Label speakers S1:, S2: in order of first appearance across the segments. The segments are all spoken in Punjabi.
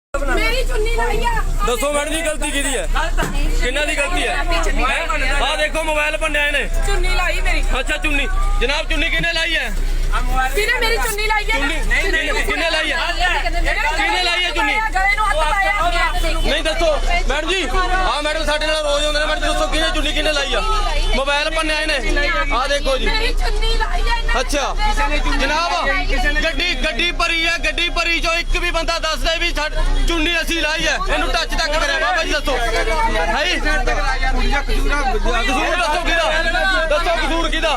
S1: मेरी चुन्नी लाई है।
S2: दसो मैडम जी गलती की है किन्ना दी गलती है हाँ देखो मोबाइल भन्या इन्हें
S1: चुन्नी लाई मेरी।
S2: अच्छा चुन्नी जनाब चुन्नी किन्ने लाई है
S1: किने मेरी चुन्नी लाई है?
S2: किन्ने लाई है किन्ने लाई है चुन्नी
S1: गले नूं हत्थ पाया।
S2: नहीं दसो मैडम जी हाँ मैडम साडे नाल रोज आउंदे ने मैडम दसो किन्ने चुन्नी किन्ने लाई है मोबाइल भन्या इन्हें हाँ देखो जी
S1: मेरी चुन्नी लाई है इन्हें।
S2: अच्छा जनाब गड्डी भरी है गड्डी भरी चो एक भी बंदा दस दे भी चुन्नी असी लाई है इनू टच तक करे बाबा जी दसो है कसूर दसो किदा दसो कसूर किदा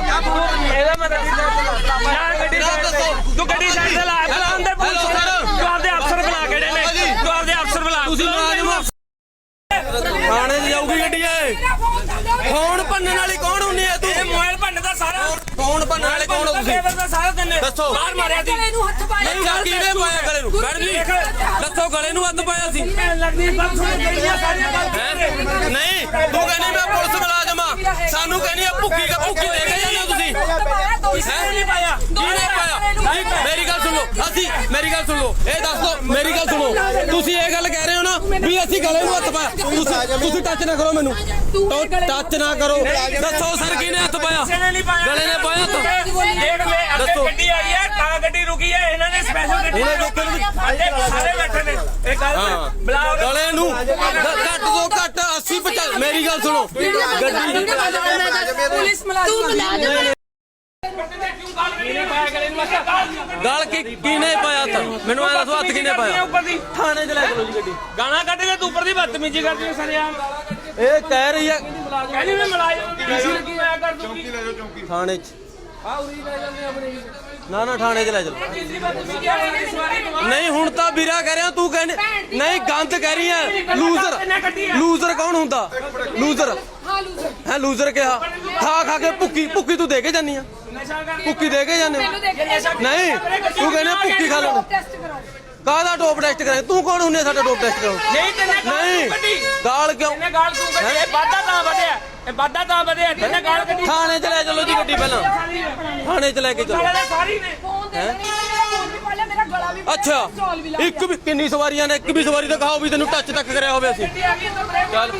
S2: दसो
S3: तू गड्डी साइड से ला अंदर पुलिस तू आपदे अफसर बुला के ने तू आपदे अफसर बुला
S2: ਤੁਸੀਂ ਮੁਲਾਜ਼ਮ ਥਾਣੇ 'ਚ ਜਾਊਗੀ ਗੱਡੀ ਇਹ ਫੋਨ ਭੰਨਣ ਵਾਲੀ ਕੌਣ ਹੁੰਨੀ ਹੈ ਤੂੰ
S3: ਇਹ ਮੋਬਾਈਲ ਭੰਨ ਦਾ ਸਾਰਾ
S2: ਫੋਨ ਭੰਨਣ ਵਾਲੇ ਕੌਣ ਹੋ ਤੁਸੀਂ
S3: ਦਾ ਸਾਰਾ ਦਿਨ
S2: ਦੱਸੋ
S3: ਬਾਹਰ ਮਾਰਿਆ ਸੀ
S1: गले नूं हत्थ पाया।
S2: ਅੱਛਾ ਕਿਹਨੇ ਪਾਇਆ ਗਲੇ ਨੂੰ ਮੈਡਮ ਜੀ ਦੱਸੋ ਗਲੇ ਨੂੰ ਹੱਥ ਪਾਇਆ ਸੀ
S3: ਲੱਗਦੀ ਬਸ ਸੁਣ ਗਈਆਂ ਸਾਰੀਆਂ
S2: ਹੈਂ? ਨਹੀਂ ਤੂੰ ਕਹਿੰਦੀ ਮੈਂ ਪੁਲਿਸ ਮੁਲਾਜ਼ਮ ਆ ਸਾਨੂੰ ਕਹਿੰਦੀ ਆ ਭੁੱਕੀ ਦੇ ਕੇ ਜਾਂਦੇ ਹੋ ਤੁਸੀਂ
S3: ਨਹੀਂ ਪਾਇਆ
S2: ਕਿਹਨੇ ਪਾਇਆ ਮੇਰੀ ਗੱਲ ਸੁਣ ਲਓ ਅਸੀਂ ਮੇਰੀ ਗੱਲ ਸੁਣ ਲਓ ਇਹ ਦੱਸ ਦੋ ਮੇਰੀ ਗੱਲ ਸੁਣੋ ਤੁਸੀਂ ਇਹ ਗੱਲ ਕਹਿ ਰਹੇ ਹੋ ਨਾ ਵੀ ਅਸੀਂ ਗਲੇ ਨੂੰ ਹੱਥ ਪਾਇਆ ਤੁਸੀਂ ਟੱਚ ਨਾ ਕਰੋ ਮੈਨੂੰ ਟੱਚ ਨਾ ਕਰੋ ਦੱਸੋ ਸਰ ਕਿਹਨੇ ਹੱਥ ਪਾਇਆ
S3: ਨਹੀਂ ਪਾਇਆ
S2: ਗਲੇ ਨੇ ਪਾਇਆ ਹੱਥ
S3: ਦੇਖ ਲੈ ਅੱਗੇ ਗੱਡੀ ਆਈ ਹੈ ਤਾਂ ਗੱਡੀ ਰੁਕੀ ਹੈ ਇਹਨਾਂ ਨੇ ਸਪੈਸ਼ਲ ਗੱਡੀ
S2: ਇਹਨੇ ਰੋਕਣ ਦੀ
S3: ਸਾਰੇ ਬੈਠੇ ਨੇ ਇਹ ਗੱਲ ਬੁਲਾਓ
S2: ਗਲੇ ਨੂੰ ਘੱਟ ਤੋਂ ਘੱਟ 80 50 ਮੇਰੀ ਗੱਲ ਸੁਣੋ ਗੱਡੀ
S1: पुलिस मुलाजिम
S2: ਗਲ ਕਿਹਨੇ ਪਾਇਆ ਤਾਂ ਮੈਨੂੰ ਐ ਦੱਸੋ ਹੱਥ ਕਿਹਨੇ ਪਾਇਆ
S3: ਉੱਪਰ ਦੀ
S2: ਥਾਣੇ 'ਚ ਲੈ ਚਲੋ ਜੀ ਗੱਡੀ
S3: ਗਾਣਾ ਕੱਢ ਕੇ ਤੂੰ ਉੱਪਰ ਦੀ ਬਦਤਮੀਜ਼ੀ ਕਰਦੀ ਹੈ ਸਰਿਆਮ
S2: ਇਹ ਕਹਿ ਰਹੀ ਹੈ
S3: ਕਹਿੰਦੀ ਮੈਂ ਮਲਾਜ਼ਮ ਕੀ ਮੈਂ ਕਰ ਦੂੰਗੀ
S2: ਥਾਣੇ 'ਚ ਨਾ ਥਾਣੇ 'ਚ ਲੈ ਚਲੋ ਨਹੀਂ ਹੁਣ ਤਾਂ ਵੀਰਾ ਕਹਿ ਰਿਹਾ ਤੂੰ ਕਹਿੰਦੇ ਨਹੀਂ ਗੰਦ ਕਹਿ ਰਹੀ ਹੈ ਲੂਜ਼ਰ ਕੌਣ ਹੁੰਦਾ ਲੂਜ਼ਰ ਹੈ ਲੂਜ਼ਰ ਕਿਹਾ ਖਾ ਕੇ ਭੁੱਕੀ ਤੂੰ ਦੇ ਕੇ ਜਾਨੀ ਆ ਭੁੱਕੀ ਦੇ ਕੇ ਜਾਨੇ ਨਹੀਂ ਤੂੰ ਕਹਿੰਦੇ ਭੁੱਕੀ ਖਾ ਲੈਣ ਕਾਹਦਾ ਡੋਪ ਟੈਸਟ ਕਰਾਏ ਤੂੰ ਕੌਣ ਹੁੰਨੇ ਸਾਡਾ ਡੋਪ ਟੈਸਟ ਕਰਾਉ ਨਹੀਂ ਗਾਲ ਕਿਉਂ
S3: ਇਹਨੇ ਗਾਲ ਤੂੰ ਕੱਢੀ ਇਹ ਵਾਧਾ ਤਾਂ ਵਧਿਆ ਇਹ ਵਾਧਾ ਤਾਂ ਵਧਿਆ ਇਹਨੇ ਗਾਲ ਕੱਢੀ
S2: ਥਾਣੇ 'ਚ ਲੈ ਚਲੋ ਜੀ ਗੱਡੀ ਪਹਿਲਾਂ ਥਾਣੇ 'ਚ ਲੈ ਕੇ ਚਲੋ
S3: ਸਾਰੀ ਨੇ
S2: ਅੱਛਾ ਇੱਕ ਵੀ ਕਿੰਨੀ ਸਵਾਰੀਆਂ ਨੇ ਇੱਕ ਵੀ ਸਵਾਰੀ ਦਿਖਾਓ ਵੀ ਤੈਨੂੰ ਟੱਚ ਤੱਕ ਕਰਿਆ ਹੋਵੇ ਅਸੀਂ ਚੱਲ